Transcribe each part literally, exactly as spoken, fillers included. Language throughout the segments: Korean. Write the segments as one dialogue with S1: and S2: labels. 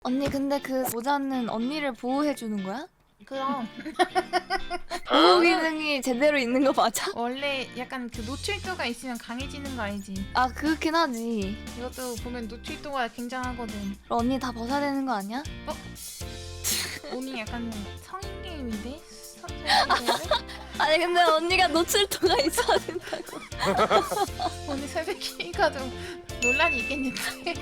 S1: 언니 근데 그 모자는 언니를 보호해주는 거야?
S2: 그럼
S1: 보호 기능이 제대로 있는 거 맞아?
S2: 원래 약간 그 노출도가 있으면 강해지는 거 알지?
S1: 아 그렇긴 하지.
S2: 이것도 보면 노출도가 굉장하거든.
S1: 그럼 언니 다 벗어야 되는 거 아니야?
S2: 오늘 약간 성인 게임인데? 서- 성인 게임인데?
S1: 아니 근데 언니가 노출도가 있어야 된다고.
S2: 오늘 새벽이가 좀 논란이 있겠는데?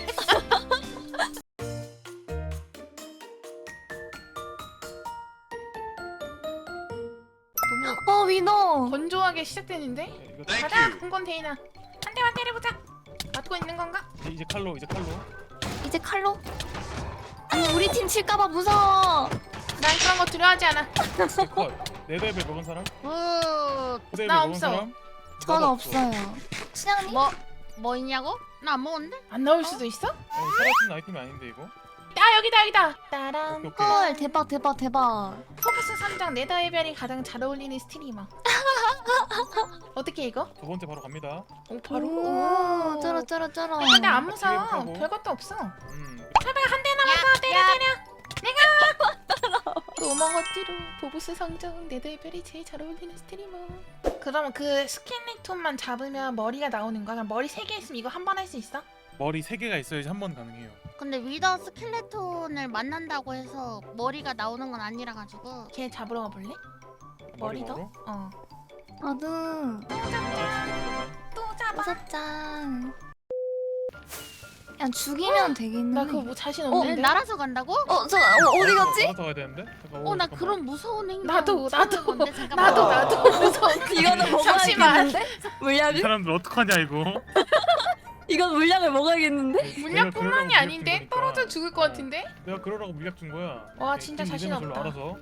S2: 너무
S1: 어 위너.
S2: 건조하게 시작되는데?
S3: 네, 이거
S2: 가자! 콩건테이너 한 대만 때려보자! 맞고 있는 건가?
S3: 이제, 이제 칼로 이제 칼로
S1: 이제 칼로? 아니 우리 팀 칠까봐 무서워.
S2: 난 그런 거 두려워하지 않아.
S3: 컷 네더앱을 먹은 사람?
S4: 어,
S3: 네더앱을
S2: 나
S3: 먹은
S2: 없어.
S3: 사람?
S1: 전
S3: 나도
S1: 없어요. 신양님?
S4: 뭐, 뭐 있냐고? 나 안 먹었는데?
S2: 안 나올 수도 있어?
S3: 아니, 사라진 아이템이 아닌데 이거?
S2: 아 여기다 여기다! 따란
S3: 오케이, 오케이.
S1: 헐 대박 대박 대박.
S2: 포커스 삼 장 네더 해변이 가장 잘 어울리는 스트리머. 어떻게 이거?
S3: 두 번째 바로 갑니다.
S2: 오 바로?
S1: 오 쩔어 쩔어 쩔어.
S2: 아니, 근데 안 무서워.
S3: 기회하고.
S2: 별것도 없어.
S3: 음
S2: 설마 한 대 남았어. 때려
S4: 야.
S2: 때려. 내가 도망어띠로 보보스 성적 네더 해변이 제일 잘 어울리는 스트리머. 그러면 그 스켈레톤만 잡으면 머리가 나오는 거야? 그럼 머리 세 개 있으면 이거 한 번 할 수 있어?
S3: 머리 세 개가 있어야지 한 번 가능해요.
S4: 근데 위더 스켈레톤을 만난다고 해서 머리가 나오는 건 아니라 가지고
S2: 걔 잡으러 가볼래? 머리도?
S3: 먹으러?
S2: 어.
S1: 나도
S3: 아,
S2: 또 잡아.
S1: 다섯 장. 그냥 죽이면 되겠는데.
S2: 나 그거 뭐 자신
S4: 어,
S2: 없는데?
S4: 날아서 간다고?
S1: 어, 저 어, 어디 갔지?
S3: 나가서 가야 되는데? 잠깐,
S4: 어, 나
S3: 잠깐만.
S4: 그런 무서운 행동
S2: 나도,
S4: 처음
S2: 나도.
S4: 해보는데, 잠깐만.
S2: 나도 나도 무서워.
S1: 이거는
S2: 잠시만.
S1: 먹어야겠는데?
S3: 이
S1: 물약을?
S3: 사람들 어떡하냐 이거?
S1: 이건 물약을 먹어야겠는데?
S3: 내가
S2: 물약뿐만이
S3: 그러려고 물약
S2: 아닌데
S3: 준 거니까.
S2: 떨어져 죽을 것 같은데?
S3: 내가 그러라고 물약 준 거야.
S2: 와,
S3: 네,
S2: 진짜
S3: 팀
S2: 자신
S3: 이름을 별로
S2: 없다.
S3: 알아서.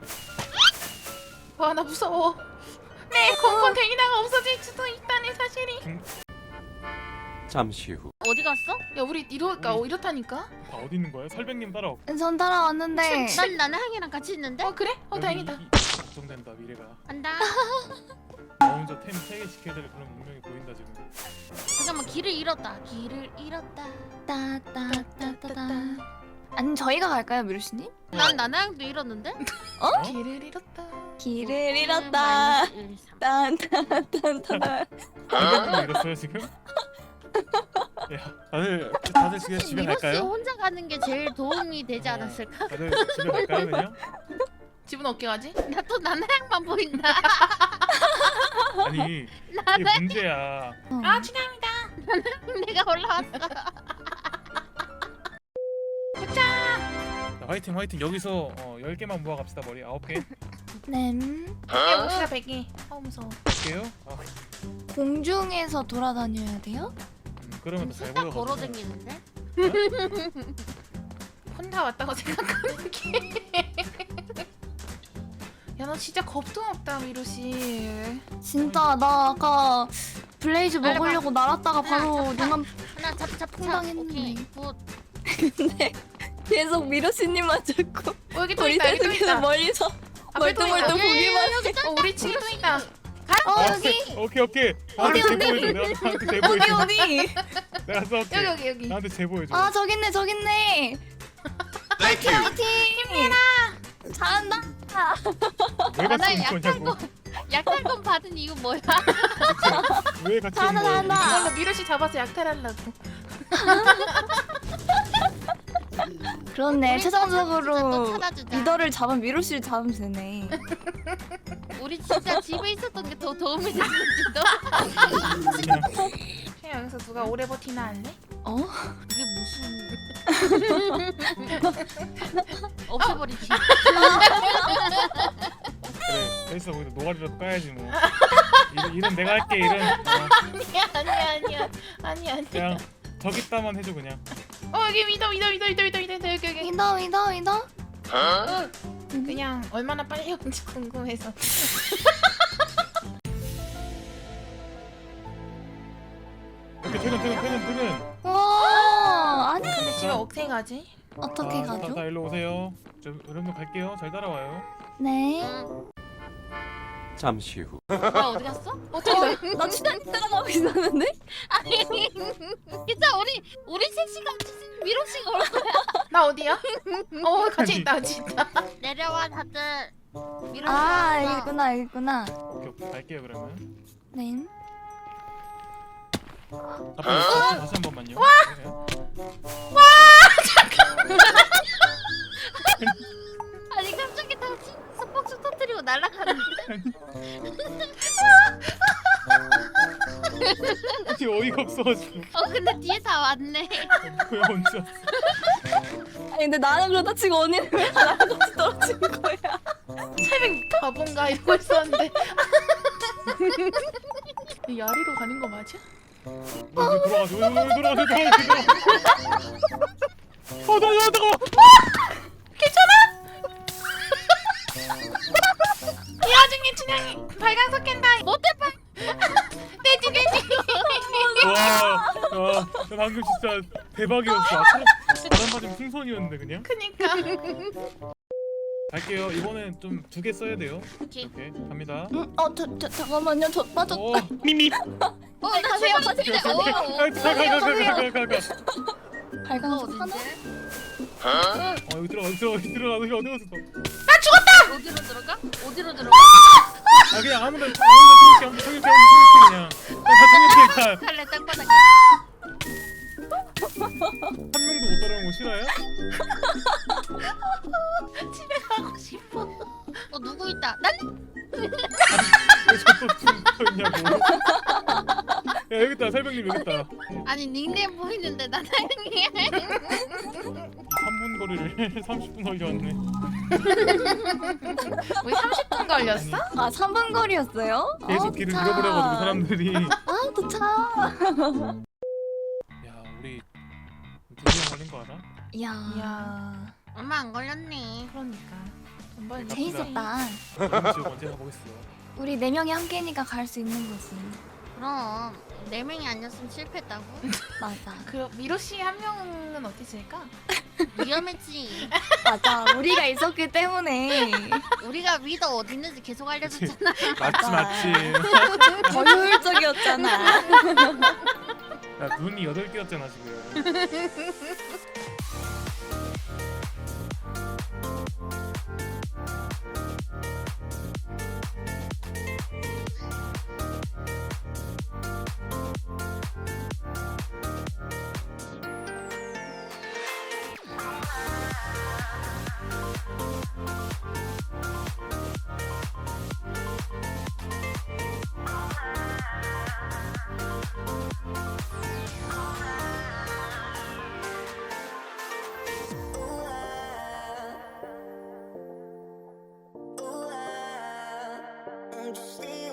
S2: 와 나 무서워. 네 건건 대기나가 없어질 수도 있다는 사실이.
S5: 잠시 후
S4: 어디 갔어?
S2: 야 우리 이러니까 어, 이렇다니까.
S3: 다 어디 있는 거야? 설백님 따라와.
S1: 전 따라왔는데.
S4: 난 나는 향이랑 같이 있는데?
S2: 어 그래? 어
S3: 여기
S2: 다행이다.
S3: 이- 이- 걱정된다 미래가.
S4: 간다.
S3: 나 혼자 템 세 개 지켜야 될 그런 운명이 보인다 지금.
S4: 잠깐만, 길을 잃었다. 길을 잃었다.
S1: 따따따따따. 아니 저희가 갈까요, 미루씨님?
S4: 난 나는 향도 잃었는데?
S3: 어?
S2: 길을 잃었다.
S1: 길을 잃었다.
S4: 마이너스 일, 이, 삼.
S1: 딴딴딴딴.
S3: 설백님 잃었어요 지금? 야 다들 다들 지금
S4: 사실
S3: 집에
S4: 미로스
S3: 갈까요?
S4: 혼자 가는 게 제일 도움이 되지
S3: 어.
S4: 않았을까?
S3: 다들 집에 갈까요 그냥?
S2: 집은 어깨 가지?
S4: 나 또 나는 향만 보인다.
S3: 아니 이게 문제야.
S2: 아 춘향이다.
S4: 내가 올라왔어.
S3: 자, 화이팅 화이팅 여기서 어, 열 개만 모아갑시다 머리 아홉 개
S1: 네.
S2: 야 옷이다 베개. 어 무서워.
S3: 할게요. 아,
S1: 공중에서 돌아다녀야 돼요?
S3: 음, 그러면 더 잘
S4: 수다
S3: 보여.
S4: 걸어 다니는데?
S2: 혼자 왔다고 생각하는 게. 야 너 진짜 겁도 없다 미루 씨.
S1: 진짜 나 아까 블레이즈
S4: 빨리
S1: 먹으려고 날았다가 바로
S4: 하나,
S1: 눈감
S4: 하나 잡, 잡,
S1: 풍당했는데.
S4: 오케이, 굿.
S1: 근데 계속 미루씨님만 자꾸
S2: 어 여기 또
S1: 우리
S2: 있다. 여기 또
S1: 계속해서
S2: 있다.
S1: 멀리서
S2: 앞에 또 있다.
S1: 멀뚱멀뚱 보기만 해.
S2: 어 우리 집에 또 있다.
S1: 어
S3: 아,
S1: 여기
S3: 오케이 오케이. 나한테
S1: 어디,
S3: 제보해줘. 내가 나한테 제보해줘.
S1: 어디 어디?
S3: 내가 쏠게.
S2: 여기 여기 여기.
S3: 나한테 제보해줘.
S1: 아 저기 있네 저기 있네. 파이팅 파이팅. 힘내라. 잘한다.
S3: 왜
S4: 나
S3: 같이
S4: 약간
S3: 있는 거냐고.
S4: 약탈금 받은 이유 뭐야?
S3: 왜 같이
S1: 잘한다,
S3: 있는 거야?
S1: 잘한다.
S2: 이걸로 미루 씨 잡아서 약탈하려고.
S1: 그렇네.
S4: 우리
S1: 최종적으로
S4: 진짜 또 찾아주자.
S1: 리더를 잡은 미루씨를 잡으면 되네.
S4: 우리 진짜 집에 있었던 게 더 도움이 됐는지도.
S3: 그냥
S2: 쟤 여기서 누가 오래 버티나 할래?
S1: 어?
S4: 이게 무슨 없애버리지.
S3: 그래. 됐어. 거기서 노가리라도 까야지 뭐. 일, 일은 내가 할게 일은. 어,
S2: 아니야 아니야 아니야 아니야 아니야.
S3: 그냥 저기 있다만 해줘 그냥.
S2: 어 여기 위더 위더 위더 위더 위더 위더 여기 여기.
S1: 위더 위더 위더.
S2: 그냥 얼마나 빨리 오는지 궁금해서.
S3: 오케이 퇴근 퇴근 퇴근 퇴근.
S1: 와 아니
S2: 근데 집에 어떻게 가지?
S1: 어떻게
S3: 아, 다,
S1: 가죠?
S3: 다 일로 오세요. 저 여러분들 갈게요. 잘 따라와요.
S1: 네.
S4: 응.
S5: 잠시 후.
S4: 뭐야 어디 갔어?
S1: 어떻게 나 치단 따라가고 있었는데?
S4: 아니 진짜 우리 우리 셋이가 미로 씨가 올 거야.
S2: 나 어디야? 어 같이
S3: 아니.
S2: 있다 같이 있다.
S4: 내려와 다들. 미로
S1: 아
S4: 씨가
S1: 알겠구나 알겠구나.
S3: 오케이 오케이 갈게요 그러면.
S1: 네.
S3: 앞에 다시, 다시 한 번만요. 와!
S4: 아니 갑자기 다 스포츠 터뜨리고 날아가는데.
S3: 어디 어이가 없어가지고
S4: 어 근데 뒤에 다 왔네.
S3: 왜 언제 왔어?
S1: 아니 근데 나는 그렇다 치고 언니는 왜 나랑 같이 떨어진 거야?
S2: 새벽 바본가 이러고 있었는데. 이 야리로 가는 거 맞아?
S3: 왜 돌아가지? 왜, 왜, 왜 돌아가지? 돌아가지? 돌아가지? 어, 나, 나, 잠깐만!
S2: 이 와중에 춘향이 발광석 캔다. 못해 봐. 돼지 돼지.
S3: 와, 와, 나 방금 진짜 대박이었어. 아, 바람 맞으면 풍선이었는데 그냥.
S2: 그니까.
S3: 갈게요. 이번엔 좀 두 개 써야 돼요.
S4: 오케이.
S3: 오케이, 갑니다.
S1: 응? 어 저, 저, 잠깐만요 저 빠졌다.
S3: 오, 미미.
S4: 어나
S1: 가세요, 가세요.
S3: 가, 가, 가, 가, 가, 가, 가.
S1: 발광석 하나?
S3: 어, 여기 들어가, 여기 들어가, 여기 들어가, 여기 어디 갔어?
S4: 어디로 들어가? 어디로 들어가?
S3: 아, 그냥 아무나, 아무나 통역해, 아무나 통역해, 아무나 통역해 그냥. 다 통역해, 다.
S4: 칼레 땅바닥에.
S3: 한 명도 못 따라오는 거 싫어요?
S2: 집에 가고 싶어.
S4: 어 누구 있다. 난
S3: 왜저또 붙어 있냐고. 야, 여기 있다, 설명님 여기 있다.
S4: 아니 닉네임 보이는데 난 아니야.
S3: 삼 분 거리를 삼십 분 걸려왔네.
S2: 우리 삼십 분 걸렸어?
S1: 아 삼 분 거리였어요?
S3: 계속
S1: 아,
S3: 길을
S1: 도착.
S3: 잃어버려가지고 사람들이.
S1: 아 도착.
S3: 야, 우리 두 명 걸린 거 알아?
S1: 이야.
S2: 이야.
S4: 얼마 안 걸렸네.
S2: 그러니까. 돈 벌
S1: 재밌었다.
S3: 다음 지역 언제 가보겠어.
S1: 우리 네 명이 함께니까 갈 수 있는 거지.
S4: 그럼 네 명이 아니었으면 실패했다고?
S1: 맞아.
S2: 그 미로 씨 한 명은 어디 있을까?
S4: 위험했지.
S1: 맞아. 우리가 있었기 때문에
S4: 우리가 위더 어디 있는지 계속 알려줬잖아.
S3: 맞지, 맞지.
S1: 더 효율적이었잖아.
S3: 야, 눈이 여덟 개였잖아 지금.
S6: I'm just leaving.